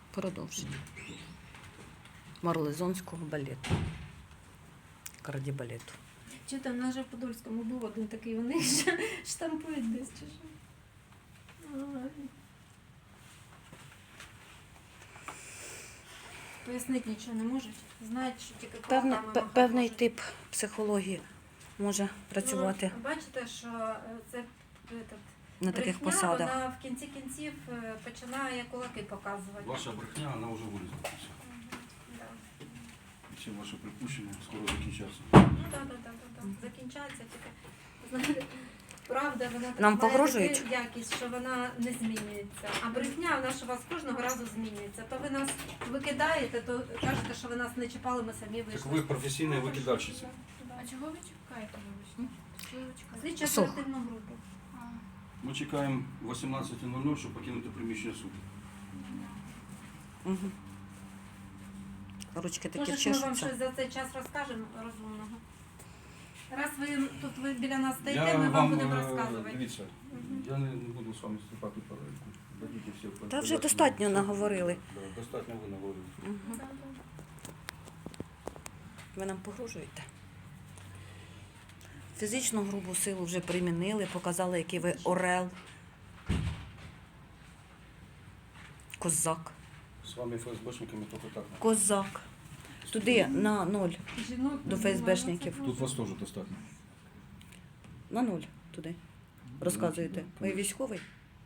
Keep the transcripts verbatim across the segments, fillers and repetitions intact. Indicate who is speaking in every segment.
Speaker 1: Продовження марлезонського балету. Кардібалету.
Speaker 2: Чи там на Подольському був один такий, вони ж штампують десь чи що? Ой. Пояснити нічого не можуть. Знають, що тільки
Speaker 1: Певне,
Speaker 2: кулаками
Speaker 1: пе-
Speaker 2: махати
Speaker 1: певний
Speaker 2: можуть.
Speaker 1: тип психології може працювати
Speaker 2: Ну, бачите, що е, це этот,
Speaker 1: на таких
Speaker 2: брехня,
Speaker 1: посадах.
Speaker 2: вона в кінці кінців е, починає кулаки показувати.
Speaker 3: Ваша брехня, вона вже вилізла.
Speaker 2: Мгм, да.
Speaker 3: Всі ваші припущення скоро закінчаться.
Speaker 2: Ну так, так, так, так. Закінчається тільки. Знаєте, правда, вона так
Speaker 1: Нам
Speaker 2: має
Speaker 1: погрожують?
Speaker 2: таку якість, що вона не змінюється. А брехня, вона ж у вас кожного разу змінюється. То ви нас викидаєте, то кажете, що ви нас не чіпали, ми самі
Speaker 3: Так
Speaker 2: вийшли.
Speaker 3: ви професійна викидальщиця.
Speaker 4: А чого ви чекаєте, вибачте? Чого ви чекаєте?
Speaker 2: Слідчо
Speaker 1: Сох.
Speaker 2: оперативну групу.
Speaker 4: А,
Speaker 3: Ми чекаємо вісімнадцята нуль нуль, щоб покинути приміщення суду.
Speaker 1: Угу. Ручки такі
Speaker 2: Може, ж ми вам
Speaker 1: чешуться.
Speaker 2: щось за цей час розкажемо розумного. Раз ви тут ви біля нас стоїте,
Speaker 3: Я
Speaker 2: ми вам
Speaker 3: вам,
Speaker 2: будемо
Speaker 3: е,
Speaker 2: розказувати.
Speaker 3: Дивіться,
Speaker 2: Мгм.
Speaker 3: я не не буду з вами вступати в полеміку. Дадіть всі
Speaker 1: Та вже
Speaker 3: пояснення.
Speaker 1: достатньо наговорили.
Speaker 3: Да, достатньо ви наговорили.
Speaker 1: Мгм.
Speaker 2: Да, да.
Speaker 1: Ви нам погрожуєте. Фізичну грубу силу вже примінили, показали, який ви орел. Козак.
Speaker 3: З вами ФСБшниками тільки так.
Speaker 1: Козак. Туди на ноль.
Speaker 2: Жінок
Speaker 1: До
Speaker 2: не
Speaker 1: ФСБшників.
Speaker 2: знаю,
Speaker 3: Тут вас теж достатньо.
Speaker 1: На нуль туди. Розказуєте. Ви військовий?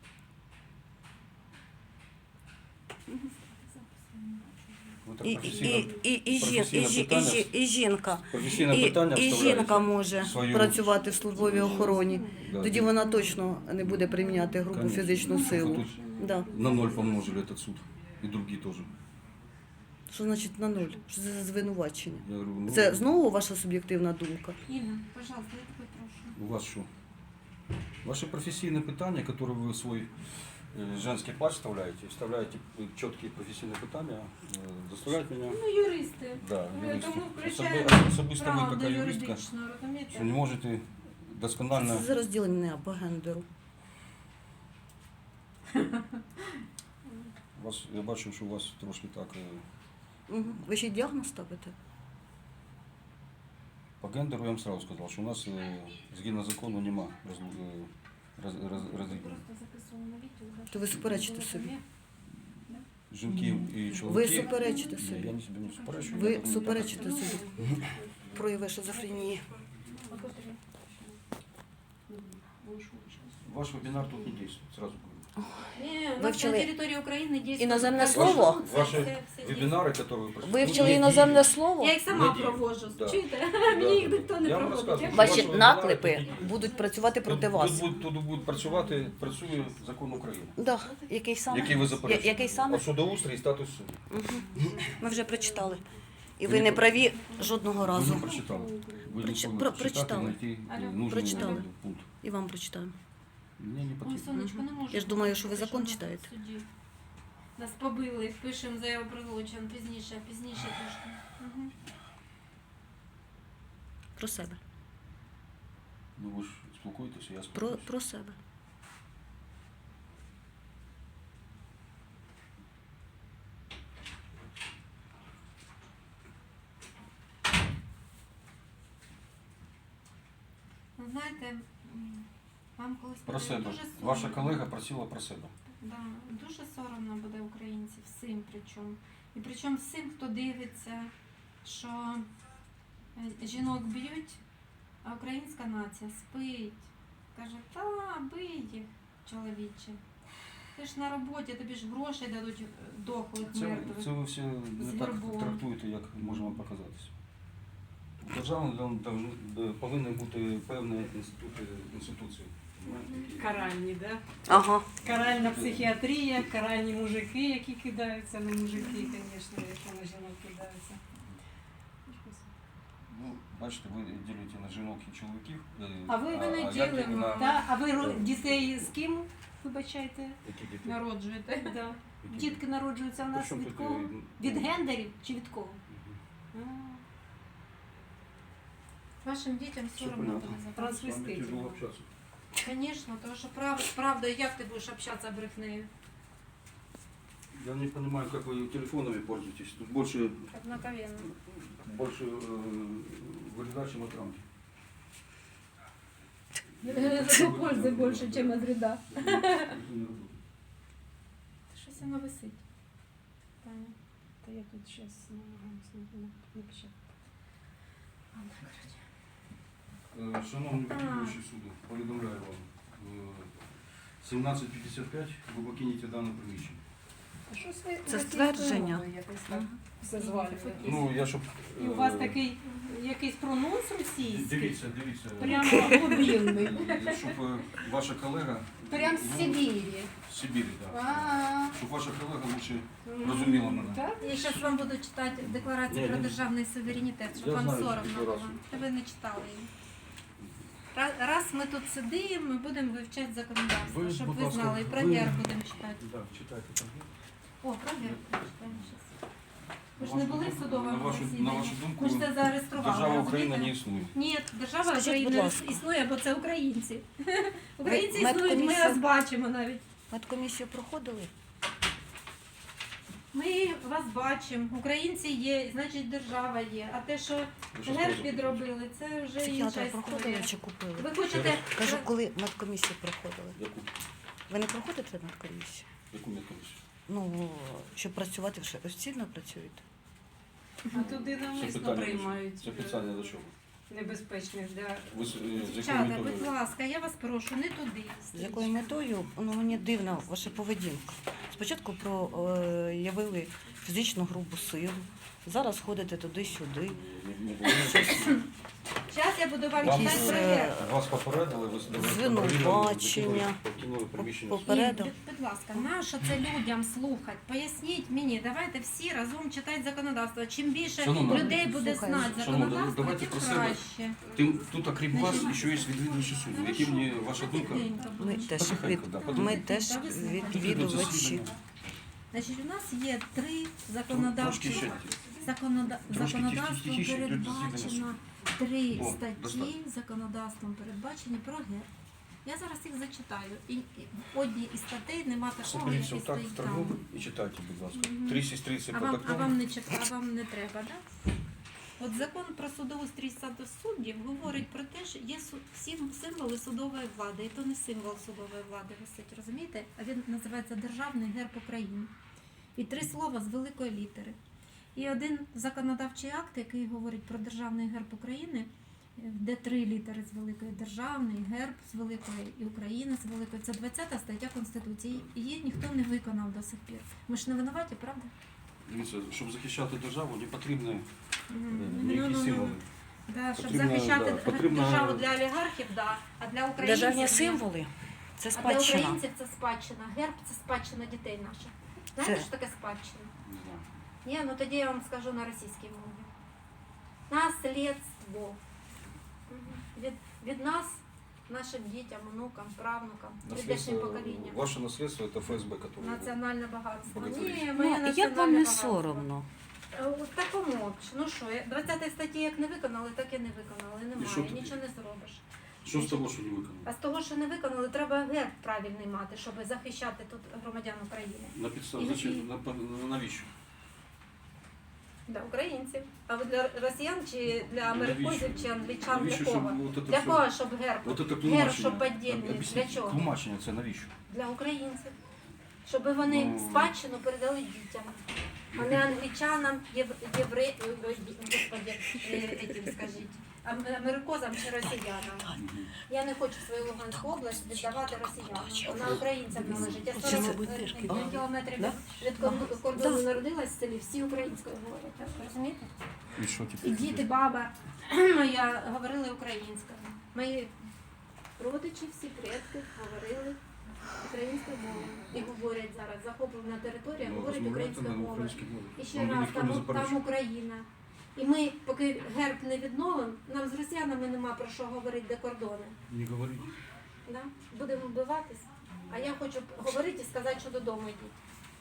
Speaker 3: Ви так
Speaker 1: І,
Speaker 3: професійно,
Speaker 1: і, і, і, жін, і,
Speaker 3: професійне
Speaker 1: жі- і,
Speaker 3: питання-
Speaker 1: жі- і жінка.
Speaker 3: професійне
Speaker 1: І,
Speaker 3: питання
Speaker 1: і
Speaker 3: вставляєте.
Speaker 1: жінка може
Speaker 3: свою-
Speaker 1: працювати в службовій охороні.
Speaker 3: Да.
Speaker 1: Тоді вона точно не буде приміняти грубу
Speaker 3: Конечно.
Speaker 1: фізичну
Speaker 3: Ви
Speaker 1: силу.
Speaker 3: тут
Speaker 1: Да.
Speaker 3: на ноль помножили этот суд. И другие тоже.
Speaker 1: Що значить на нуль? Що це за звинувачення?
Speaker 3: Я говорю, ну,
Speaker 1: Це знову ваша суб'єктивна думка?
Speaker 2: Інна, пожалуйста, я тебе прошу.
Speaker 3: у вас що? Ваше професійне питання, яке ви в свій е, женський плач вставляєте, вставляєте чіткі професійні питання, е, заставляють мене,
Speaker 2: Ну, юристи.
Speaker 3: да,
Speaker 2: Ми
Speaker 3: юристи.
Speaker 2: тому
Speaker 3: Особи-
Speaker 2: включаємо
Speaker 3: Особисто ви
Speaker 2: правду
Speaker 3: така юристка,
Speaker 2: юридичну, розумієте?
Speaker 3: що не можете досконально.
Speaker 1: Це за розділення по гендеру.
Speaker 3: У вас, я бачу, що у вас трошки так е,
Speaker 1: Угу. Ви ще й діагноз ставите?
Speaker 3: по гендеру я вам сразу сказав, що у нас е, згідно закону нема роз, е, роз, роз, розрізнення.
Speaker 2: Просто записувала на відео. да,
Speaker 1: То ви
Speaker 2: щоб
Speaker 1: суперечите
Speaker 2: було
Speaker 1: собі.
Speaker 2: там,
Speaker 3: Жінків і
Speaker 1: Ви
Speaker 3: чоловіків.
Speaker 1: суперечите
Speaker 3: Ні,
Speaker 1: собі.
Speaker 3: я не собі не суперечу.
Speaker 1: Ви
Speaker 3: я так-
Speaker 1: суперечите собі. Прояви шизофренії.
Speaker 2: а котрі?
Speaker 3: Ваш вебинар тут не действует, сразу говорю.
Speaker 2: Ні, у
Speaker 1: Ви
Speaker 2: нас
Speaker 1: вчили
Speaker 2: на території України дійсно...
Speaker 1: іноземне
Speaker 2: так,
Speaker 1: слово?
Speaker 2: все-
Speaker 3: Ваші
Speaker 2: все- все дійсно.
Speaker 3: Вебинары, которые вы проходите.
Speaker 1: Ви вчили
Speaker 3: ну, не
Speaker 1: іноземне
Speaker 3: діють.
Speaker 1: слово?
Speaker 2: Я їх сама
Speaker 3: Не діють.
Speaker 2: провожу,
Speaker 3: Да.
Speaker 2: чуєте?
Speaker 3: Да,
Speaker 2: Мені їх
Speaker 3: да,
Speaker 2: ніхто
Speaker 3: да.
Speaker 2: не
Speaker 3: Я вам
Speaker 2: проводить.
Speaker 3: розказую.
Speaker 2: Я-
Speaker 1: Ваші
Speaker 3: Ваші
Speaker 1: наклепи
Speaker 3: вебінари тут не
Speaker 1: будуть працювати
Speaker 3: Тут,
Speaker 1: проти
Speaker 3: тут,
Speaker 1: вас.
Speaker 3: будуть- тут буде працювати, працює закон України.
Speaker 1: Да. Який саме?
Speaker 3: Який ви
Speaker 1: Я-
Speaker 3: заперечуєте?
Speaker 1: Який саме?
Speaker 3: А судоустрій і статус суду.
Speaker 1: Угу. Ми вже прочитали. І
Speaker 3: Ви
Speaker 1: ви
Speaker 3: не
Speaker 1: не
Speaker 3: про-
Speaker 1: праві жодного
Speaker 3: Ви
Speaker 1: разу.
Speaker 3: не прочитали. Ви
Speaker 1: Проч-
Speaker 3: не
Speaker 1: про-
Speaker 3: прочитати,
Speaker 1: прочитали.
Speaker 3: знайти
Speaker 2: Алло.
Speaker 3: нужний
Speaker 1: Прочитали.
Speaker 3: пункт.
Speaker 1: І вам прочитаємо.
Speaker 3: Мені не
Speaker 2: Ой,
Speaker 3: потрібно.
Speaker 2: сонечко, не можу.
Speaker 1: Я ж думаю, що ви
Speaker 2: Пишемо
Speaker 1: закон
Speaker 2: на
Speaker 1: читаєте.
Speaker 2: суді. Нас побили, пишемо заяву про злочин, пізніше, пізніше трошки. Угу.
Speaker 1: Про себе.
Speaker 3: Ну ви ж спілкуєтеся, я
Speaker 1: Про,
Speaker 3: спілкуюся.
Speaker 1: про себе.
Speaker 2: Ви знаєте, м, вам колись
Speaker 3: Про
Speaker 2: буде
Speaker 3: себе.
Speaker 2: дуже соромно.
Speaker 3: Ваша колега просила про себе.
Speaker 2: Да, дуже соромно буде українців, всім причому. І причому всім, хто дивиться, що е, жінок б'ють, а українська нація спить. Каже, та бий їх, чоловіче. Ти ж на роботі, тобі ж грошей дадуть е, дохлих,
Speaker 3: Це,
Speaker 2: мертвих.
Speaker 3: це ви всі не
Speaker 2: З
Speaker 3: так
Speaker 2: вербом.
Speaker 3: трактуєте, як може вам показатися. У держави должны- повинні бути певні інститути, інституції. які-
Speaker 4: Каральні, да?
Speaker 1: Ага.
Speaker 4: Каральна психіатрія, каральні мужики, які кидаються на мужики, звісно, які на жінок кидаються.
Speaker 3: Ну, бачите, ви ділите на жінок і чоловіків. е,
Speaker 2: А ви- ви не
Speaker 3: як
Speaker 2: ділимо,
Speaker 3: на-
Speaker 4: Та, а ви ро- дітей з ким, вибачайте?
Speaker 3: Які діти?
Speaker 2: Народжуєте.
Speaker 4: Да.
Speaker 3: Які
Speaker 4: Дітки народжуються в нас
Speaker 3: Причому
Speaker 4: від
Speaker 3: тут,
Speaker 4: кого?
Speaker 3: е,
Speaker 4: Від
Speaker 3: ну,
Speaker 4: гендерів чи від кого?
Speaker 3: Мгм.
Speaker 4: А.
Speaker 2: Вашим дітям
Speaker 3: Все
Speaker 2: соромно
Speaker 3: понятно.
Speaker 2: буде за
Speaker 3: С вами
Speaker 4: Трансвеститів.
Speaker 3: тяжело общаться.
Speaker 2: Звісно, тому що прав, правда, як ти будеш общатися брехнею?
Speaker 3: Я не понимаю, как вы телефонами пользуетесь. Тут больше,
Speaker 2: Однаковенно.
Speaker 3: больше э, вреда, чем от рамки.
Speaker 2: Зато пользы больше, чем от вреда. Щось воно висить. Таня.
Speaker 4: Та я тут зараз намагаюся напечатати.
Speaker 2: Ладно, коротше.
Speaker 3: Е, Шановні
Speaker 2: А.
Speaker 3: підтримуючі суду, повідомляю вам, е, сімнадцять п'ятдесят п'ять ви покинете дане приміщення.
Speaker 4: А щось ви
Speaker 1: Це
Speaker 4: російською
Speaker 1: ствердження.
Speaker 4: мовою якось так
Speaker 1: Мгм.
Speaker 4: все звалюєте.
Speaker 3: Ну, я щоб...
Speaker 4: І у вас такий якийсь прононс російський,
Speaker 3: Дивіться, дивіться.
Speaker 4: прямо глибинний.
Speaker 3: Е, Щоб е, ваша колега...
Speaker 4: Прям з
Speaker 3: ну,
Speaker 4: Сибірі.
Speaker 3: З Сибірі, так.
Speaker 4: А,
Speaker 3: Щоб ваша колега лучше розуміла мене.
Speaker 4: так?
Speaker 2: Я зараз вам буду читати декларацію
Speaker 3: Ні,
Speaker 2: про
Speaker 3: ні.
Speaker 2: державний суверенітет, щоб
Speaker 3: Я
Speaker 2: вам
Speaker 3: знаю цю
Speaker 2: соромно було.
Speaker 3: декларацію.
Speaker 2: Та ви не читали її. Ра- Раз ми тут сидимо, ми будемо вивчати законодавство,
Speaker 3: Ви,
Speaker 2: щоб
Speaker 3: будь
Speaker 2: ви
Speaker 3: ласка,
Speaker 2: знали. І про
Speaker 3: ви-
Speaker 2: герб будемо читати.
Speaker 3: Так, читайте там.
Speaker 2: О, про герб почитаємо зараз. Ви ж
Speaker 3: На
Speaker 2: не
Speaker 3: вашу
Speaker 2: були в
Speaker 3: думку-
Speaker 2: судовому
Speaker 3: на вашу- на
Speaker 2: засіданні?
Speaker 3: вашу думку,
Speaker 2: Ми ж це зареєстрували.
Speaker 3: Держава Україна
Speaker 2: розумієте?
Speaker 3: не існує.
Speaker 2: Ні, держава
Speaker 1: Скажіть, будь
Speaker 2: України
Speaker 1: ласка.
Speaker 2: існує, бо це українці. Українці
Speaker 1: Ви-
Speaker 2: існують, ми
Speaker 1: медкомісія-
Speaker 2: вас бачимо навіть.
Speaker 1: Медкомісію проходили?
Speaker 2: Ми вас бачимо. Українці є, значить держава є. А те, що
Speaker 3: Ви що
Speaker 2: герб
Speaker 3: скажете?
Speaker 2: підробили, це вже інша
Speaker 1: Психіатра проходили
Speaker 2: історія.
Speaker 1: чи купили?
Speaker 2: Ви хочете
Speaker 1: Кажу, коли медкомісію проходили.
Speaker 3: Яку,
Speaker 1: Ви не проходите медкомісію?
Speaker 3: яку медкомісію?
Speaker 1: Ну, щоб працювати, вже офіційно працюєте?
Speaker 4: А туди
Speaker 3: Це
Speaker 4: навмисно
Speaker 3: питання, до чого?
Speaker 4: приймають
Speaker 3: Це питання до чого?
Speaker 4: небезпечних для
Speaker 3: Ви з, е, з якою
Speaker 2: Дівчата,
Speaker 3: метою?
Speaker 2: будь ласка, я вас прошу, не туди.
Speaker 1: З якою метою? Ну, мені дивна ваша поведінка. Спочатку проявили фізичну грубу силу, зараз ходите туди-сюди.
Speaker 3: Не, не було.
Speaker 2: Зараз я буду вам
Speaker 3: Вам,
Speaker 2: читати про
Speaker 1: е,
Speaker 2: герб.
Speaker 3: Вас попередили, ви
Speaker 1: Звинувачення.
Speaker 3: покинули приміщення.
Speaker 1: По-
Speaker 2: Ні,
Speaker 1: попередив.
Speaker 2: будь- будь ласка, нащо це людям слухати? Поясніть мені, давайте всі разом читати законодавство. Чим більше
Speaker 3: Шановна,
Speaker 2: людей буде
Speaker 1: слухаю.
Speaker 2: знати
Speaker 3: Шановна,
Speaker 2: законодавство,
Speaker 3: давайте
Speaker 2: тим
Speaker 3: про себе.
Speaker 2: краще.
Speaker 3: Тим, тут, окрім вас,
Speaker 2: Значить,
Speaker 3: ще є відвідувачі суду. Які мені ваша думка?
Speaker 2: Тихенько
Speaker 1: Ми
Speaker 2: будемо.
Speaker 1: теж,
Speaker 3: Потихеньку,
Speaker 1: від...
Speaker 3: да,
Speaker 1: ми
Speaker 3: потихеньку.
Speaker 1: теж
Speaker 2: Та ви слухайте.
Speaker 1: відвідувачі.
Speaker 2: Значить, у нас є три
Speaker 3: Трошки
Speaker 2: законодавчі
Speaker 3: ще.
Speaker 2: законода...
Speaker 3: Трошки
Speaker 2: законодавством
Speaker 3: тихіше, тут
Speaker 2: передбачено три
Speaker 3: О,
Speaker 2: статті
Speaker 3: достатньо.
Speaker 2: законодавством передбачені про герб. Я зараз їх зачитаю. І, і в одній із статей нема такого, який
Speaker 3: Соберіться отак
Speaker 2: стоїть
Speaker 3: втроєм
Speaker 2: там.
Speaker 3: і читайте, будь ласка.
Speaker 2: Мгм.
Speaker 3: Три сестриці
Speaker 2: А
Speaker 3: по
Speaker 2: вам, а
Speaker 3: такому.
Speaker 2: вам не чит- а вам не треба, да? От закон про судоустрій саду суддів говорить про те, що є су- всі символи судової влади, і то не символ судової влади висить, розумієте? А він називається Державний герб України. І три слова з великої літери. І один законодавчий акт, який говорить про Державний герб України, де три літери з великої державний, герб з великої і Україна з великої. Це двадцята стаття Конституції. Її ніхто не виконав до сих пір. Ми ж не винуваті, правда?
Speaker 3: Дивіться, щоб захищати державу, не потрібно
Speaker 2: Мгм.
Speaker 3: е, ніякі
Speaker 2: Ну-ну-ну.
Speaker 3: символи.
Speaker 2: Да, щоб
Speaker 3: Потрібно,
Speaker 2: захищати
Speaker 3: да, потрібно-
Speaker 2: державу для олігархів, да, а для українців
Speaker 1: Державні
Speaker 2: ні.
Speaker 1: символи це
Speaker 2: А для
Speaker 1: спадщина.
Speaker 2: українців це спадщина. Герб це спадщина дітей наших. Знаєте,
Speaker 1: Це-
Speaker 2: що таке спадщина?
Speaker 3: Не знаю.
Speaker 2: Ні, ну тоді я вам скажу на російській мові. Наслідство. Мгм. Від, від нас, нашим дітям, онукам, правнукам, прийдешнім
Speaker 3: Наследство,
Speaker 2: поколінням.
Speaker 3: ваше наследство это ФСБ, которое...
Speaker 2: Національне багатство.
Speaker 3: Богатирі.
Speaker 2: Ні,
Speaker 1: Ну,
Speaker 2: моє
Speaker 1: як
Speaker 2: національне
Speaker 1: вам не
Speaker 2: багатство.
Speaker 1: соромно?
Speaker 2: Е, от такому, ну що, двадцятої статті як не виконали, так і не виконали.
Speaker 3: І що
Speaker 2: Немає,
Speaker 3: тоді?
Speaker 2: нічого не зробиш.
Speaker 3: Що з того, що не виконано?
Speaker 2: А з того, що не виконали, треба герб правильний мати, щоб захищати тут громадян України.
Speaker 3: На підставі,
Speaker 2: І-
Speaker 3: зачем,
Speaker 2: і-
Speaker 3: на, на- навіщо?
Speaker 2: Для українців. А ви для росіян чи для американців чи англічан для
Speaker 3: Навіщо,
Speaker 2: кого?
Speaker 3: щоб от це
Speaker 2: Для
Speaker 3: все-
Speaker 2: кого, щоб герб?
Speaker 3: От це
Speaker 2: Герб,
Speaker 3: тлумачення.
Speaker 2: щоб подільний.
Speaker 3: Об'ясніть,
Speaker 2: Для чого?
Speaker 3: Тлумачення це навіщо?
Speaker 2: Для українців. Щоб вони
Speaker 3: Ну.
Speaker 2: спадщину передали дітям, а не англічанам, єв- євре... ой, ой, господи, е, етім, скажіть, ам- америкозам чи росіянам.
Speaker 3: Мгм.
Speaker 2: Я не хочу свою Луганську область віддавати росіянам. Вона українцям належить. Я
Speaker 1: Оце
Speaker 2: сорок
Speaker 1: мабуть, теж кидали.
Speaker 2: кілометрів
Speaker 1: Да?
Speaker 2: від кон- кордону народилась в селі, всі українською говорять. Так, розумієте?
Speaker 3: І що
Speaker 2: І
Speaker 3: тепер?
Speaker 2: діти, баба моя говорили українською. Мої родичі, всі предки говорили українською мовою. І говорять зараз, захоплена територія,
Speaker 3: Ну,
Speaker 2: говорить
Speaker 3: розмовляйте
Speaker 2: українською
Speaker 3: на
Speaker 2: мовою.
Speaker 3: українській мові.
Speaker 2: І ще
Speaker 3: Вам
Speaker 2: раз,
Speaker 3: ніхто не
Speaker 2: там,
Speaker 3: заперечує.
Speaker 2: там Україна. І ми, поки герб не відновимо, нам з росіянами нема про що говорити, де кордони.
Speaker 3: Не говоріть.
Speaker 2: Да? Будемо вбиватись. А я хочу говорити і сказати, що додому йдіть.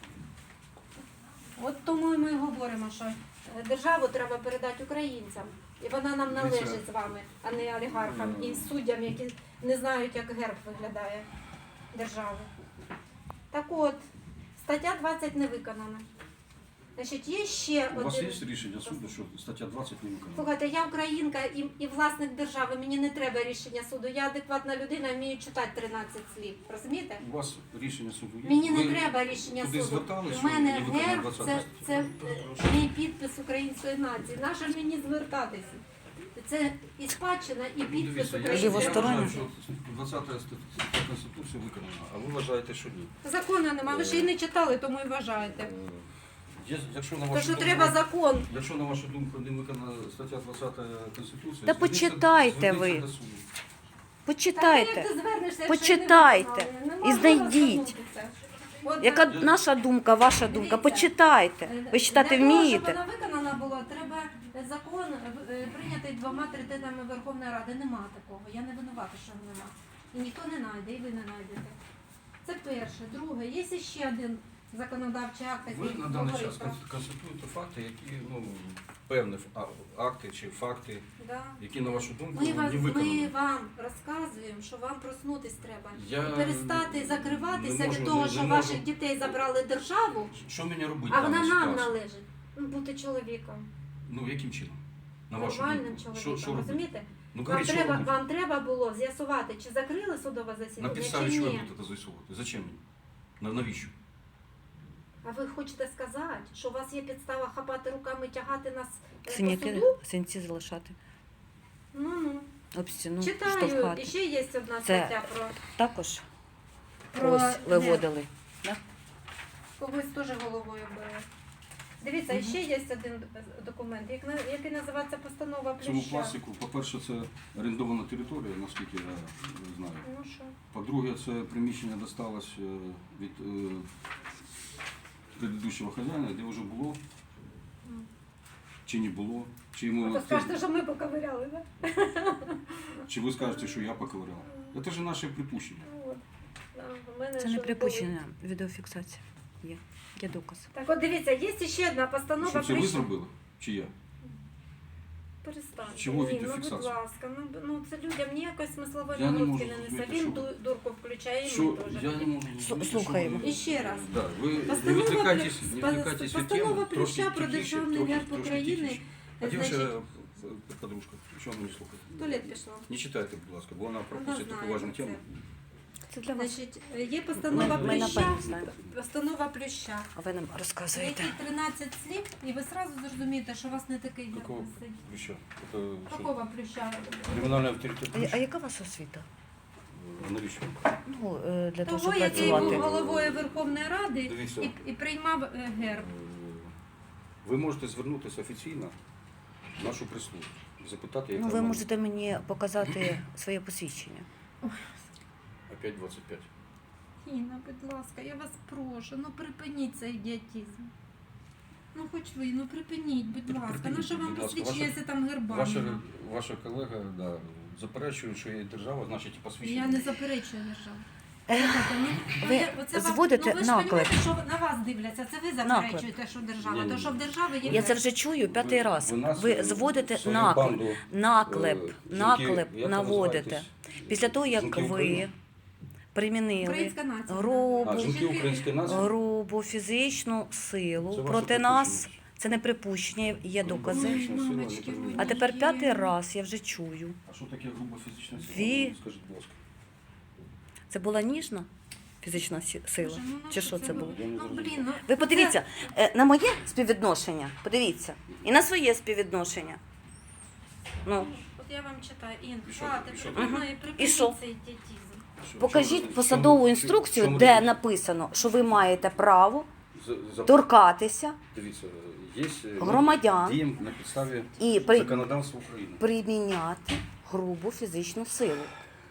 Speaker 2: От тому і ми говоримо, що е, державу треба передати українцям. І вона нам належить з вами, а не олігархам і суддям, які не знають, як герб виглядає держави. Так от, Стаття двадцять не виконана. Значить, є ще
Speaker 3: У вас
Speaker 2: один.
Speaker 3: є рішення суду, що стаття двадцять не виконана?
Speaker 2: Слухайте, я українка і, і власник держави, мені не треба рішення суду. Я адекватна людина, вмію читати тринадцять слів. Розумієте?
Speaker 3: У вас рішення суду є?
Speaker 2: Мені не
Speaker 3: Ви
Speaker 2: треба рішення
Speaker 3: туди
Speaker 2: суду.
Speaker 3: звертались,
Speaker 2: У
Speaker 3: що
Speaker 2: мене
Speaker 3: не виконана
Speaker 2: герб,
Speaker 3: двадцята
Speaker 2: це,
Speaker 3: стаття?
Speaker 2: це е, мій підпис української нації. Нащо ж мені звертатися? Це і спадщина, і
Speaker 3: Ну,
Speaker 2: підпис
Speaker 3: дивіться, я
Speaker 2: української
Speaker 1: Лівостороння.
Speaker 3: вважаю,
Speaker 2: нації.
Speaker 3: що двадцята стаття Конституції виконана, а ви вважаєте, що ні.
Speaker 2: Закону нема, ви ж її не читали, тому і вважаєте.
Speaker 3: Е, є- Якщо на
Speaker 2: То,
Speaker 3: вашу
Speaker 2: що
Speaker 3: думку,
Speaker 2: треба закон.
Speaker 3: якщо на вашу думку не виконана стаття двадцята Конституції,
Speaker 1: Та
Speaker 3: зверніться-
Speaker 1: почитайте
Speaker 3: зверніться
Speaker 1: ви.
Speaker 3: до суду.
Speaker 1: Почитайте.
Speaker 2: Так, як ти звернешся,
Speaker 1: Почитайте
Speaker 2: якщо не виконали?
Speaker 1: і
Speaker 2: Неможливо
Speaker 1: знайдіть.
Speaker 2: звернутися. От,
Speaker 1: Яка
Speaker 2: е,
Speaker 1: наша думка, ваша думка?
Speaker 2: Дивіться.
Speaker 1: Почитайте. Ви читати
Speaker 2: Для того,
Speaker 1: вмієте?
Speaker 2: щоб вона виконана була, треба закон е, прийнятий двома третинами Верховної Ради. Нема такого. Я не винувата, що нема. І ніхто не знайде, і ви не знайдете. Це перше. Друге, є ще один законодавчий акт,
Speaker 3: Ви
Speaker 2: який
Speaker 3: на даний
Speaker 2: говорить
Speaker 3: час
Speaker 2: про...
Speaker 3: конс- констатуєте факти, які, ну, певні фа- акти чи факти,
Speaker 2: Да.
Speaker 3: які, на вашу думку,
Speaker 2: Ми, вас,
Speaker 3: не
Speaker 2: ми
Speaker 3: виконані.
Speaker 2: вам розказуємо, що вам проснутись треба.
Speaker 3: Я
Speaker 2: І перестати закриватися
Speaker 3: не можу,
Speaker 2: від того,
Speaker 3: не-
Speaker 2: що
Speaker 3: не
Speaker 2: ваших
Speaker 3: можу.
Speaker 2: дітей забрали державу,
Speaker 3: Що мені робити?
Speaker 2: а
Speaker 3: в
Speaker 2: вона
Speaker 3: даній
Speaker 2: нам
Speaker 3: ситуації?
Speaker 2: належить. Ну, бути чоловіком.
Speaker 3: Ну, яким чином? На вашу
Speaker 2: Нормальним
Speaker 3: думку.
Speaker 2: чоловіком.
Speaker 3: Що, що робити?
Speaker 2: Розумієте?
Speaker 3: Ну,
Speaker 2: Вам
Speaker 3: говоріть, що
Speaker 2: треба,
Speaker 3: робити?
Speaker 2: вам треба було з'ясувати, чи закрили судове
Speaker 3: На
Speaker 2: засідання,
Speaker 3: підставі
Speaker 2: чи
Speaker 3: чого я
Speaker 2: ні.
Speaker 3: буду це з'ясовувати? Зачем мені? На навіщо?
Speaker 2: А ви хочете сказати, що у вас є підстава хапати руками, тягати нас е, по
Speaker 1: Синяки,
Speaker 2: суду?
Speaker 1: синці залишати.
Speaker 2: Ну, ну.
Speaker 1: Об стіну
Speaker 2: Читаю, і
Speaker 1: штовхати.
Speaker 2: ще є одна
Speaker 1: Це-
Speaker 2: стаття про,
Speaker 1: Також
Speaker 2: про
Speaker 1: ось
Speaker 2: герб.
Speaker 1: виводили.
Speaker 2: Когось теж головою бере. Дивіться,
Speaker 1: Мгм.
Speaker 2: ще є один документ, як на- який називається постанова
Speaker 3: В цьому
Speaker 2: Плюща.
Speaker 3: пластику, по-перше, це орендована територія, наскільки я е, знаю.
Speaker 2: Ну що?
Speaker 3: По-друге, це приміщення досталось е, від е, предыдущого хазяїна, де вже було,
Speaker 2: М.
Speaker 3: чи не було, чи
Speaker 2: А
Speaker 3: йому
Speaker 2: то скажете, що ми поковиряли, так?
Speaker 3: чи ви скажете, що я поковиряв. Це ж наше припущення.
Speaker 2: Ну, от. Да, у мене
Speaker 1: Це не
Speaker 2: що
Speaker 1: припущення, відеофіксація. Є. Є доказ.
Speaker 2: Так от дивіться, є ще одна постанова
Speaker 3: Що це ви
Speaker 2: Плюща.
Speaker 3: зробили? Чи я?
Speaker 2: Перестаньте.
Speaker 3: Чого
Speaker 2: Ні, ну, будь
Speaker 3: відеофіксація?
Speaker 2: ласка, ну, б- ну це людям ніякої смислової
Speaker 3: Я не
Speaker 2: нагрузки
Speaker 3: можу
Speaker 2: не несе.
Speaker 3: зрозуміти,
Speaker 2: Він
Speaker 3: що-
Speaker 2: ду- дурку включає, і
Speaker 3: Що
Speaker 2: ми теж.
Speaker 3: я не можу
Speaker 1: Слу-
Speaker 3: зрозуміти, що
Speaker 1: слухаємо.
Speaker 3: ви-
Speaker 2: І ще раз.
Speaker 3: Да, ви не
Speaker 2: Постанова
Speaker 3: відвлекайтесь,
Speaker 2: Плю-
Speaker 3: не відвлекайтесь від
Speaker 2: Постанова
Speaker 3: теми,
Speaker 2: Плюща
Speaker 3: трошки
Speaker 2: про
Speaker 3: тихіше,
Speaker 2: державний
Speaker 3: трохи-
Speaker 2: герб
Speaker 3: трошки
Speaker 2: України.
Speaker 3: тихіше. А
Speaker 2: Значить,
Speaker 3: дівчина, е, подружка, чого ви не слухаєте?
Speaker 2: в туалет пішла.
Speaker 3: Не читайте, будь ласка, бо вона
Speaker 2: Вона
Speaker 3: пропустить таку
Speaker 2: знає
Speaker 3: важну
Speaker 2: про це.
Speaker 3: тему.
Speaker 1: Це для вас.
Speaker 2: Значить, є постанова
Speaker 1: Ми- ми
Speaker 2: Плюща.
Speaker 1: напевно знаємо.
Speaker 2: Постанова Плюща.
Speaker 1: А ви нам розказуєте.
Speaker 2: Які тринадцять слів, і ви одразу зрозумієте, що у вас не такий герб
Speaker 3: Какого
Speaker 2: висить.
Speaker 3: плюща? Это что?
Speaker 2: Какого Плюща?
Speaker 3: Кримінальний авторитет
Speaker 1: А, а
Speaker 3: плюща?
Speaker 1: яка у вас освіта?
Speaker 3: Навіщо?
Speaker 1: Ну, е, для того,
Speaker 2: Того,
Speaker 1: щоб
Speaker 2: який був
Speaker 1: працювати.
Speaker 2: головою Верховної Ради
Speaker 3: Дивіться.
Speaker 2: і, і приймав е, герб.
Speaker 3: Ви можете звернутися офіційно в нашу прислугу, запитати, яка
Speaker 1: Ну, ви
Speaker 3: вона.
Speaker 1: можете мені показати своє посвідчення.
Speaker 3: Опять двадцять п'ять.
Speaker 2: Інна, будь ласка, я вас прошу, ну припиніть цей ідіотизм. Ну хоч ви, ну припиніть, будь
Speaker 3: При-
Speaker 2: ласка.
Speaker 3: припиніть,
Speaker 2: Ну що вам
Speaker 3: будь ласка.
Speaker 2: посвідчення,
Speaker 3: Ваша-
Speaker 2: якщо там герба
Speaker 3: Ваша,
Speaker 2: нема?
Speaker 3: ваша колега да, заперечує, що є держава, значить і посвідчення.
Speaker 2: Я не заперечую державу.
Speaker 1: Е,
Speaker 2: Слухайте, ну,
Speaker 1: ви
Speaker 2: я- оце вам-
Speaker 1: зводите
Speaker 2: ну, ви ж
Speaker 1: наклеп.
Speaker 2: розумієте, що на вас дивляться, це ви заперечуєте, що держава,
Speaker 3: Ні-ні-ні.
Speaker 2: то що в держави є
Speaker 1: Я це
Speaker 2: герб.
Speaker 1: вже чую п'ятий
Speaker 3: Ви-
Speaker 1: раз.
Speaker 3: нас,
Speaker 1: Ви
Speaker 3: е,
Speaker 1: зводите
Speaker 3: свою
Speaker 1: наклеп,
Speaker 3: банду, е,
Speaker 1: наклеп,
Speaker 3: жінки,
Speaker 1: наклеп
Speaker 3: як ви
Speaker 1: наводите.
Speaker 3: називаєтесь?
Speaker 1: Після того, як
Speaker 3: Жінки
Speaker 1: ви
Speaker 3: України?
Speaker 1: примінили
Speaker 2: Українська нація.
Speaker 1: грубу,
Speaker 3: А, жінки української нації?
Speaker 1: грубу фізичну
Speaker 3: Це
Speaker 1: силу
Speaker 3: ваше
Speaker 1: проти нас,
Speaker 3: припущення.
Speaker 1: це не припущення, є докази.
Speaker 2: Ой,
Speaker 3: Фізична сила,
Speaker 2: мамочки
Speaker 3: не
Speaker 2: мої.
Speaker 1: А тепер
Speaker 2: Є.
Speaker 1: п'ятий раз я вже чую.
Speaker 3: А що таке груба фізична сила?
Speaker 1: Ві-
Speaker 3: Ну, скажіть, будь ласка.
Speaker 1: Це була ніжна фізична сі- сила?
Speaker 2: Боже, ну,
Speaker 1: Чи що це було?
Speaker 3: Я не
Speaker 2: Ну,
Speaker 3: зрозумів.
Speaker 2: блін, ну,
Speaker 1: Ви
Speaker 2: це-
Speaker 1: подивіться е, на моє співвідношення, подивіться, і на своє співвідношення. Ну,
Speaker 2: От я вам читаю, Ін,
Speaker 3: І що?
Speaker 2: хватить,
Speaker 3: І що?
Speaker 2: припини,
Speaker 1: І
Speaker 2: припиніть
Speaker 1: що?
Speaker 2: цей ідіотизм.
Speaker 3: Що-
Speaker 1: покажіть
Speaker 3: чому-
Speaker 1: посадову
Speaker 3: чому-
Speaker 1: інструкцію,
Speaker 3: чому
Speaker 1: де
Speaker 3: різниця?
Speaker 1: написано, що ви маєте право
Speaker 3: За- за-
Speaker 1: торкатися
Speaker 3: Дивіться, є е,
Speaker 1: громадян
Speaker 3: діємо на підставі
Speaker 1: і при,
Speaker 3: законодавства України.
Speaker 1: приміняти грубу фізичну силу.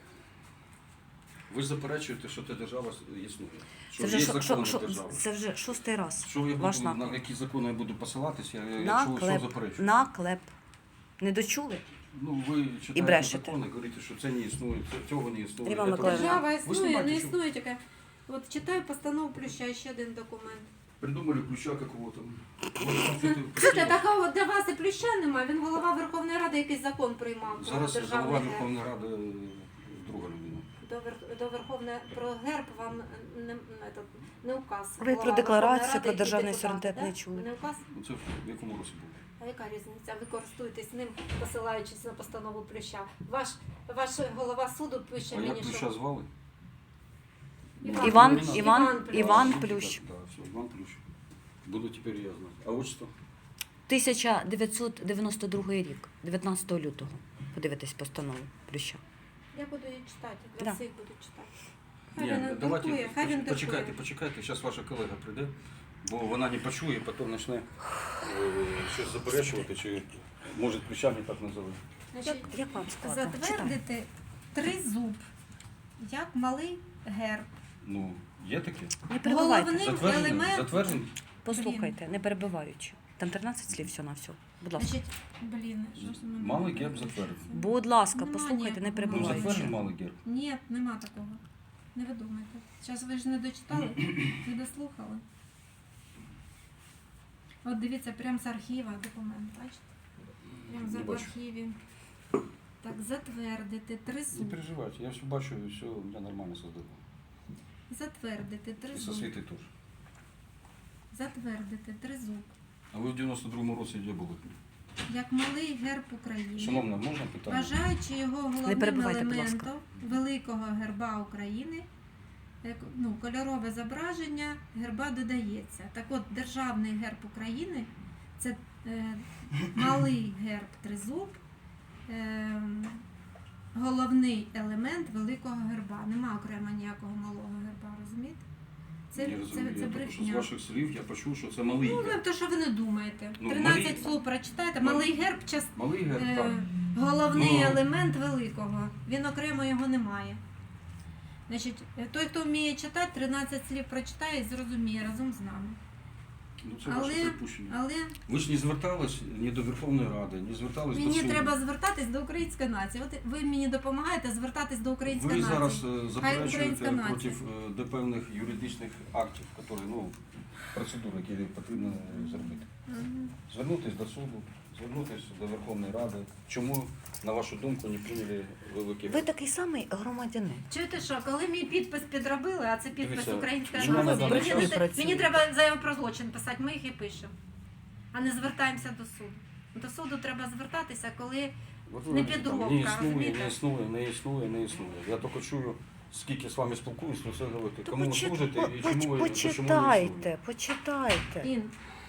Speaker 3: Ви ж заперечуєте, що ця держава існує. Що
Speaker 1: Це вже,
Speaker 3: є
Speaker 1: шо-
Speaker 3: закони
Speaker 1: шо- шо-
Speaker 3: держави.
Speaker 1: це вже шостий раз.
Speaker 3: Що я
Speaker 1: Ваш
Speaker 3: буду, на
Speaker 1: наклеп.
Speaker 3: які закони я буду посилатися, я- якщо ви що
Speaker 1: Наклеп.
Speaker 3: заперечую?
Speaker 1: Наклеп. Не дочули?
Speaker 3: Ну, ви читаєте
Speaker 1: брешете.
Speaker 3: закони, говорите, що це не існує, це- цього не існує.
Speaker 1: Ірина
Speaker 3: Це
Speaker 1: Миколаївна.
Speaker 3: правда.
Speaker 2: Держава
Speaker 3: Ви
Speaker 2: існує,
Speaker 3: знімаєте,
Speaker 2: не
Speaker 3: що
Speaker 2: існує таке. От читаю постанову Плюща, ще один документ.
Speaker 3: Придумали ключа какого-то. Може, там це-
Speaker 2: Слухайте, такого для вас і Плюща немає, він голова Верховної Ради якийсь закон приймав про
Speaker 3: Зараз
Speaker 2: державний
Speaker 3: голова
Speaker 2: герб.
Speaker 3: Верховної Ради друга людина.
Speaker 2: до, Вер- до Верховної про герб вам не, не, этот, не указ.
Speaker 1: Ви
Speaker 2: Голова
Speaker 1: про декларацію,
Speaker 2: Верховної
Speaker 1: про
Speaker 2: Ради і
Speaker 1: державний
Speaker 2: депутат,
Speaker 1: суверенітет
Speaker 2: да?
Speaker 1: не чули.
Speaker 2: Не указ?
Speaker 3: Ну, це в якому році було?
Speaker 2: А яка різниця? Ви користуєтесь ним, посилаючись на постанову Плюща. Ваш, ваш голова суду пише
Speaker 3: А
Speaker 2: мені,
Speaker 3: як
Speaker 2: що...
Speaker 3: Плюща звали?
Speaker 2: Іван,
Speaker 1: Іван,
Speaker 3: Плющ.
Speaker 1: Іван,
Speaker 2: Іван Плющ.
Speaker 1: Іван
Speaker 3: Так,
Speaker 1: Плющ.
Speaker 3: Так, все, Іван Плющ. Буду тепер я знати. А отчество?
Speaker 1: тисяча дев'ятсот дев'яносто другий рік, дев'ятнадцятого лютого. Подивитесь постанову Плюща.
Speaker 2: Я буду її читати, для
Speaker 1: Да.
Speaker 2: всіх буду читати. Хай
Speaker 3: Ні,
Speaker 2: він
Speaker 3: давайте,
Speaker 2: друкує, хай він
Speaker 3: почекайте,
Speaker 2: друкує.
Speaker 3: почекайте, зараз ваша колега прийде, бо вона не почує, потім почне е, щось заперечувати, чи може Плюща не так називати.
Speaker 2: Значить,
Speaker 1: Як, як вам складно? Читайте.
Speaker 2: затвердити тризуб, як малий герб.
Speaker 3: Ну, є таке?
Speaker 1: Не перебивайте.
Speaker 2: Головний
Speaker 3: Затверджений?
Speaker 2: елемент.
Speaker 3: Затверджений?
Speaker 1: Послухайте, не перебиваючи. Там тринадцять слів все на все. Будь ласка.
Speaker 2: Значить, блін, що ж в мене
Speaker 3: Малий
Speaker 2: не
Speaker 3: герб
Speaker 2: пише?
Speaker 3: затверджений.
Speaker 1: Будь ласка,
Speaker 2: Нема
Speaker 1: послухайте, не
Speaker 2: ніякого.
Speaker 3: Ну,
Speaker 1: перебиваючи.
Speaker 3: затверджений малий герб.
Speaker 2: Ні, нема такого. Не ви думайте. Зараз ви ж не дочитали, не дослухали. От дивіться, прямо з архіва документ, бачите? Прямо
Speaker 3: Не
Speaker 2: за в
Speaker 3: бачу.
Speaker 2: архіві. Так, затвердити
Speaker 3: Не
Speaker 2: тризуб.
Speaker 3: переживайте, я все бачу, і все у мене нормально создано.
Speaker 2: Затвердити
Speaker 3: І со
Speaker 2: тризуб.
Speaker 3: світи теж.
Speaker 2: Затвердити тризуб.
Speaker 3: А ви в дев'яносто другому році де були?
Speaker 2: Як малий герб України.
Speaker 3: Шановна, можна питання?
Speaker 2: Вважаючи його головним
Speaker 1: перебивайте, будь ласка.
Speaker 2: елементом великого герба України, як, ну, кольорове зображення герба додається. Так от, державний герб України це е, малий герб тризуб, е, головний елемент великого герба. Нема окремо ніякого малого герба, розумієте? Це,
Speaker 3: Не
Speaker 2: це,
Speaker 3: розумію,
Speaker 2: це
Speaker 3: я тільки що з
Speaker 2: брехня.
Speaker 3: ваших слів я почув, що це малий
Speaker 2: Ну, ви
Speaker 3: герб.
Speaker 2: то, що ви не думаєте.
Speaker 3: Ну,
Speaker 2: тринадцять
Speaker 3: малий-
Speaker 2: слов прочитайте.
Speaker 3: Малий-
Speaker 2: Малий герб част...
Speaker 3: Малий герб,
Speaker 2: Е,
Speaker 3: так.
Speaker 2: головний
Speaker 3: Ну.
Speaker 2: елемент великого. Він окремо його не має. Значить, е, той, хто вміє читати, тринадцять слів прочитає і зрозуміє разом з нами.
Speaker 3: Ну, це ваше
Speaker 2: Але,
Speaker 3: припущення.
Speaker 2: але
Speaker 3: Ви ж не звертались ні до Верховної Ради, не звертались до
Speaker 2: мені
Speaker 3: суду.
Speaker 2: треба звертатись до української нації. От ви мені допомагаєте звертатись до української
Speaker 3: Ви
Speaker 2: нації.
Speaker 3: зараз е,
Speaker 2: українська
Speaker 3: заперечуєте
Speaker 2: нація.
Speaker 3: проти е, до певних юридичних актів, які, ну, процедур, які потрібно е, зробити.
Speaker 2: Мгм.
Speaker 3: Звернутися до суду, звернутися до Верховної Ради. Чому, на вашу думку, не прийняли великі...
Speaker 1: Ви такий самий громадянин.
Speaker 2: Чуєте що, коли мій підпис підробили, а це підпис
Speaker 3: Дивіться,
Speaker 2: української
Speaker 3: в мене
Speaker 2: нації,
Speaker 3: на
Speaker 2: мені,
Speaker 3: даний
Speaker 2: не
Speaker 3: час-
Speaker 2: те- мені треба заяву про злочин писати, ми їх і пишемо. А не звертаємося до суду. До суду треба звертатися, коли
Speaker 3: От ви
Speaker 2: не
Speaker 3: бачите, там
Speaker 2: підробка,
Speaker 3: не існує,
Speaker 2: розумієте?
Speaker 3: не існує, не існує, не існує. Я тільки чую, скільки з вами спілкуюсь, то все говорите.
Speaker 1: То
Speaker 3: Кому ви
Speaker 1: почит-
Speaker 3: служите
Speaker 1: по-
Speaker 3: і
Speaker 1: поч-
Speaker 3: чому ви, чому ви не
Speaker 1: почитайте,
Speaker 3: існуєте.
Speaker 1: почитайте.
Speaker 2: Ін.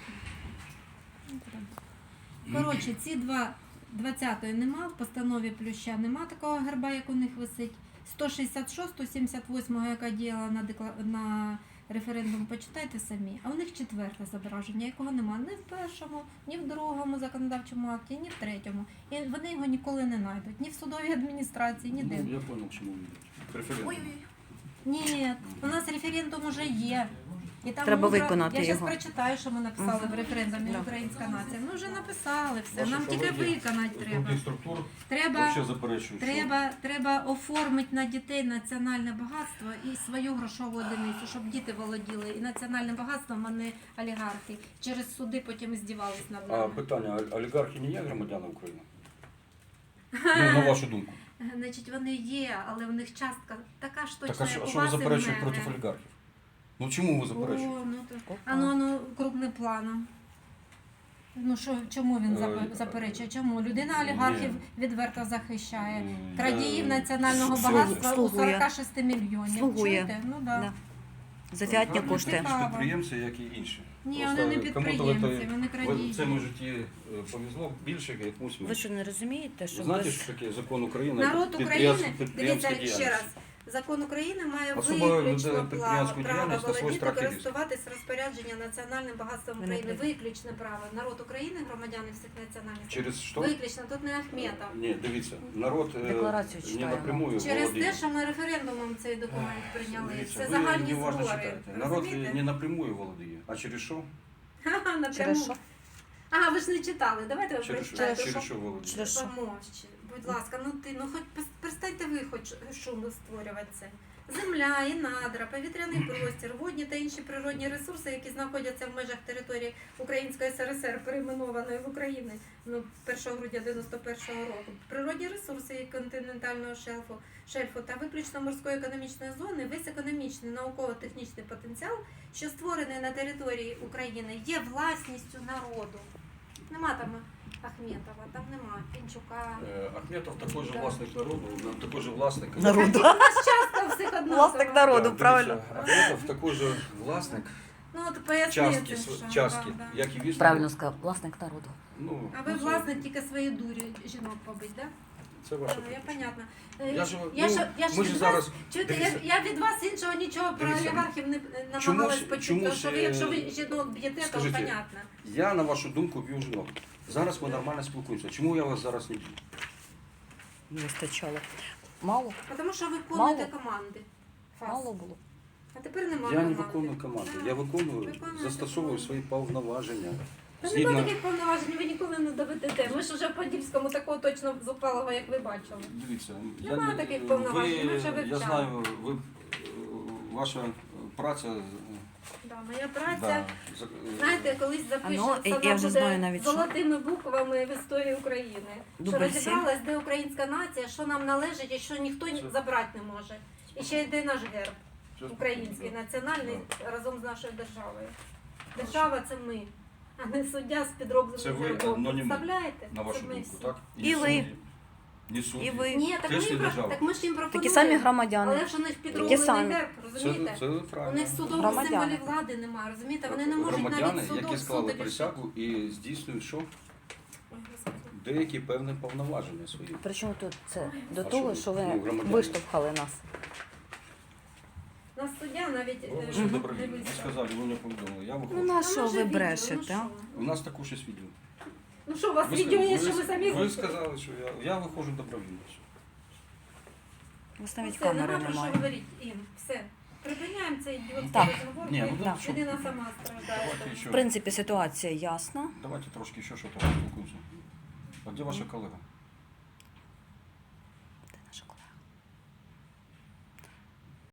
Speaker 2: Коротше, ці два двадцятої нема, в постанові Плюща нема такого герба, як у них висить. сто шістдесят шостого, сімдесят восьмого, яка діяла на, декла... на референдум, почитайте самі. А у них четверте зображення, якого нема ні в першому, ні в другому законодавчому акті, ні в третьому. І вони його ніколи не знайдуть. Ні в судовій адміністрації, ніде.
Speaker 3: Ну, я зрозумів, чому ви йдете. Референдум.
Speaker 2: Ой-ой-ой. Ні, у нас референдум уже є. І там
Speaker 1: Треба
Speaker 2: мудро-
Speaker 1: виконати
Speaker 2: Я
Speaker 1: його.
Speaker 2: зараз прочитаю, що ми написали
Speaker 1: Мгм.
Speaker 2: в референдумі
Speaker 1: Да.
Speaker 2: Українська нація. Ми вже написали все.
Speaker 3: Ваші
Speaker 2: Нам тільки
Speaker 3: колеги
Speaker 2: виконати
Speaker 3: з
Speaker 2: треба.
Speaker 3: других структур
Speaker 2: Треба,
Speaker 3: взагалі заперечують, що
Speaker 2: треба, треба оформити на дітей національне багатство і свою грошову одиницю, щоб діти володіли і національним багатством, а не олігархи. Через суди потім здівались над
Speaker 3: А
Speaker 2: нами.
Speaker 3: питання, а олігархи не є громадяни України? Ну, на вашу думку.
Speaker 2: Значить, вони є, але в них частка така ж
Speaker 3: Так
Speaker 2: точно,
Speaker 3: а що,
Speaker 2: як
Speaker 3: а
Speaker 2: у
Speaker 3: що ви
Speaker 2: вас і в
Speaker 3: заперечуєте
Speaker 2: мене.
Speaker 3: проти олігархів? Ну чому ви заперечуєте?
Speaker 2: О, ну, то... А ну, а ну, крупним планом. Ну що, чому він запе-
Speaker 3: Е,
Speaker 2: заперечує? Чому? Людина олігархів
Speaker 3: ні.
Speaker 2: відверто захищає.
Speaker 3: М,
Speaker 2: Крадіїв
Speaker 3: я-
Speaker 2: національного
Speaker 1: Слугує.
Speaker 2: багатства у
Speaker 1: Слугує.
Speaker 2: сорок шість мільйонів.
Speaker 1: Слугує.
Speaker 2: Чуєте? Ну да.
Speaker 1: Да. Завятня
Speaker 3: Олігархи
Speaker 1: коштує.
Speaker 3: такі ж підприємці, як і інші.
Speaker 2: Ні,
Speaker 3: Просто
Speaker 2: вони не
Speaker 3: кому-то
Speaker 2: підприємці,
Speaker 3: в
Speaker 2: вони
Speaker 3: В
Speaker 2: крадії.
Speaker 3: цьому житті е, повезло більше, якомусь
Speaker 1: Ви
Speaker 3: менше.
Speaker 1: що не розумієте, що
Speaker 3: Ви знаєте,
Speaker 1: без...
Speaker 3: що таке закон України?
Speaker 2: Народ
Speaker 3: підприємств-
Speaker 2: України,
Speaker 3: підприємська
Speaker 2: дивіться ще
Speaker 3: діяльність?
Speaker 2: раз. Закон України має
Speaker 3: Особа
Speaker 2: виключно
Speaker 3: веде
Speaker 2: право,
Speaker 3: підприємську
Speaker 2: право
Speaker 3: діяльність на свій
Speaker 2: володіти,
Speaker 3: страх і ризик.
Speaker 2: користуватись розпорядження національним багатством
Speaker 1: Мене
Speaker 2: України.
Speaker 1: прийде.
Speaker 2: Виключне право. Народ України, громадяни всіх національностей.
Speaker 3: Через що?
Speaker 2: Виключно, тут не Ахметов.
Speaker 3: Ні, дивіться, народ е,
Speaker 1: Декларацію
Speaker 3: не
Speaker 1: читаємо.
Speaker 3: напрямую
Speaker 2: Через
Speaker 3: володіє.
Speaker 2: те, що ми референдумом цей документ прийняли.
Speaker 3: Дивіться,
Speaker 2: Це
Speaker 3: ви
Speaker 2: загальні
Speaker 3: неуважно
Speaker 2: збори.
Speaker 3: читаєте. Народ
Speaker 2: Розумієте?
Speaker 3: не напрямую володіє. А через що?
Speaker 2: Ха-ха, напряму.
Speaker 1: Через що?
Speaker 2: Ага, ви ж не читали. Давайте ви
Speaker 3: Через що?
Speaker 2: прочитайте.
Speaker 3: Через що володіє?
Speaker 1: Через що?
Speaker 2: Помовчи. Будь ласка, ну ти, ну хоч пос- перестаньте ви хоч шум створювати це. земля і надра, повітряний простір, водні та інші природні ресурси, які знаходяться в межах території Української ес ер ес ер, перейменованої в Україні ну, першого грудня дев'яносто першого року, природні ресурси і континентального шельфу, шельфу та виключно морської економічної зони, весь економічний науково-технічний потенціал, що створений на території України, є власністю народу. Нема там Ахметова, там нема Пінчука.
Speaker 3: Э, Ахметов такой же
Speaker 2: Да.
Speaker 3: властник народу, он такой же властник.
Speaker 1: Народу.
Speaker 2: У нас часто у всіх однаково.
Speaker 1: Власник народу,
Speaker 3: Да,
Speaker 1: правильно.
Speaker 3: дивіться, Ахметов такой же властник
Speaker 2: Ну от пояснити,
Speaker 3: частки,
Speaker 2: що,
Speaker 3: св- частки,
Speaker 2: да, да.
Speaker 3: як і вісник.
Speaker 1: Правильно сказав, власник народу.
Speaker 3: Ну,
Speaker 2: А ви
Speaker 3: ну, це-
Speaker 2: власник тільки свої дурі жінок побить, так?
Speaker 3: Це ваше.
Speaker 2: Да? Я понятно. Е,
Speaker 3: Я ж,
Speaker 2: я
Speaker 3: ну,
Speaker 2: ж, я ж
Speaker 3: ми
Speaker 2: від
Speaker 3: ж
Speaker 2: вас,
Speaker 3: зараз,
Speaker 2: чуєте, я,
Speaker 3: дивіться.
Speaker 2: я від вас іншого нічого про
Speaker 3: Дивіться.
Speaker 2: олігархів не не
Speaker 3: Чомусь-
Speaker 2: намагалась почути,
Speaker 3: чомусь,
Speaker 2: тому що ви,
Speaker 3: е,
Speaker 2: якщо ви жінок б'єте, то
Speaker 3: скажіть,
Speaker 2: понятно.
Speaker 3: Я на вашу думку б'ю жінок. Зараз ми нормально спілкуємося. Чому я вас зараз не б'ю?
Speaker 1: Не вистачало. Мало?
Speaker 2: Тому що ви виконуєте
Speaker 1: Мало.
Speaker 2: команди. Фас.
Speaker 1: Мало було.
Speaker 2: А тепер немає
Speaker 3: Я не
Speaker 2: команди.
Speaker 3: виконую команди.
Speaker 2: Так.
Speaker 3: Я виконую,
Speaker 2: Виконуєте
Speaker 3: застосовую
Speaker 2: команду.
Speaker 3: свої повноваження.
Speaker 2: Та
Speaker 3: Згідно-
Speaker 2: немає таких повноважень, ви ніколи не доведете. Ми ж уже в Подільському такого точно зупалого, як ви бачили.
Speaker 3: Дивіться,
Speaker 2: Нема
Speaker 3: не-
Speaker 2: таких
Speaker 3: ви-
Speaker 2: повноважень, ми вже
Speaker 3: Я
Speaker 2: вивчали.
Speaker 3: знаю, ви, е, ваша праця. е,
Speaker 2: Да, моя праця.
Speaker 3: Да, за- е,
Speaker 2: Знаєте, колись
Speaker 1: А
Speaker 2: запишемо,
Speaker 1: ну, я- я вже знаю навіть, що.
Speaker 2: золотими буквами в історії України.
Speaker 1: Дубль
Speaker 2: що
Speaker 1: сім.
Speaker 2: розібралась, де українська нація, що нам належить і що ніхто ні-
Speaker 3: Це-
Speaker 2: забрати не може. І ще йде наш герб
Speaker 3: це-
Speaker 2: український,
Speaker 3: да.
Speaker 2: національний, разом з нашою державою. Держава це ми, а не суддя з підробленим
Speaker 3: Це ви,
Speaker 2: гербом.
Speaker 3: но не ми,
Speaker 2: Представляєте?
Speaker 3: На вашу
Speaker 2: Це ми
Speaker 3: думку,
Speaker 2: всі.
Speaker 3: так?
Speaker 1: І ви.
Speaker 3: судді, ні судді.
Speaker 1: І ви.
Speaker 2: Ні, так ми,
Speaker 3: Теж не
Speaker 2: їм про-
Speaker 3: держава.
Speaker 2: так ми ж їм пропонуємо.
Speaker 1: Такі самі громадяни.
Speaker 2: Але ж у них підроблений
Speaker 1: самі.
Speaker 2: герб,
Speaker 3: Це,
Speaker 2: розумієте?
Speaker 3: це
Speaker 2: У
Speaker 3: правильно.
Speaker 2: них судових
Speaker 1: Громадяни.
Speaker 2: символів влади немає, розумієте? Вони не можуть
Speaker 3: Громадяни,
Speaker 2: навіть судом
Speaker 3: які склали
Speaker 2: суди рішити.
Speaker 3: присягу і здійснюють що?
Speaker 2: Ой, Господи.
Speaker 3: Деякі певні повноваження свої.
Speaker 1: Причому тут це до
Speaker 3: А
Speaker 1: того,
Speaker 3: що,
Speaker 1: що ви
Speaker 3: ну, громадяни.
Speaker 1: виштовхали нас.
Speaker 2: Нас суддя навіть
Speaker 3: Ви
Speaker 2: е,
Speaker 3: вже
Speaker 2: не
Speaker 3: добровільно. Ви
Speaker 2: визнав.
Speaker 3: сказали, ви не повідомили. Я
Speaker 1: Ну
Speaker 3: виходжу.
Speaker 1: на
Speaker 2: Ну,
Speaker 1: що
Speaker 2: може,
Speaker 1: ви
Speaker 2: відео,
Speaker 1: брешете?
Speaker 2: ну,
Speaker 1: а?
Speaker 2: що?
Speaker 3: У нас також є відео.
Speaker 2: Ну що, у вас
Speaker 3: Ви
Speaker 2: відео
Speaker 3: ска-
Speaker 2: є,
Speaker 3: ви
Speaker 2: що ви
Speaker 3: ска-
Speaker 2: самі
Speaker 3: Ви
Speaker 2: хочете?
Speaker 3: сказали, що я, я виходжу добровільно.
Speaker 1: У вас навіть
Speaker 2: Все,
Speaker 1: камери
Speaker 2: нема про що
Speaker 1: немає.
Speaker 2: говорити, Ін, все. Припиняємо цей ідіотський
Speaker 1: Так.
Speaker 2: розговор,
Speaker 3: Ні, ну,
Speaker 2: бо
Speaker 1: да.
Speaker 2: людина сама страждає.
Speaker 3: Давайте ще.
Speaker 1: В принципі, ситуація ясна.
Speaker 3: Давайте трошки ще що-то поспілкуємося. А де ваша колега?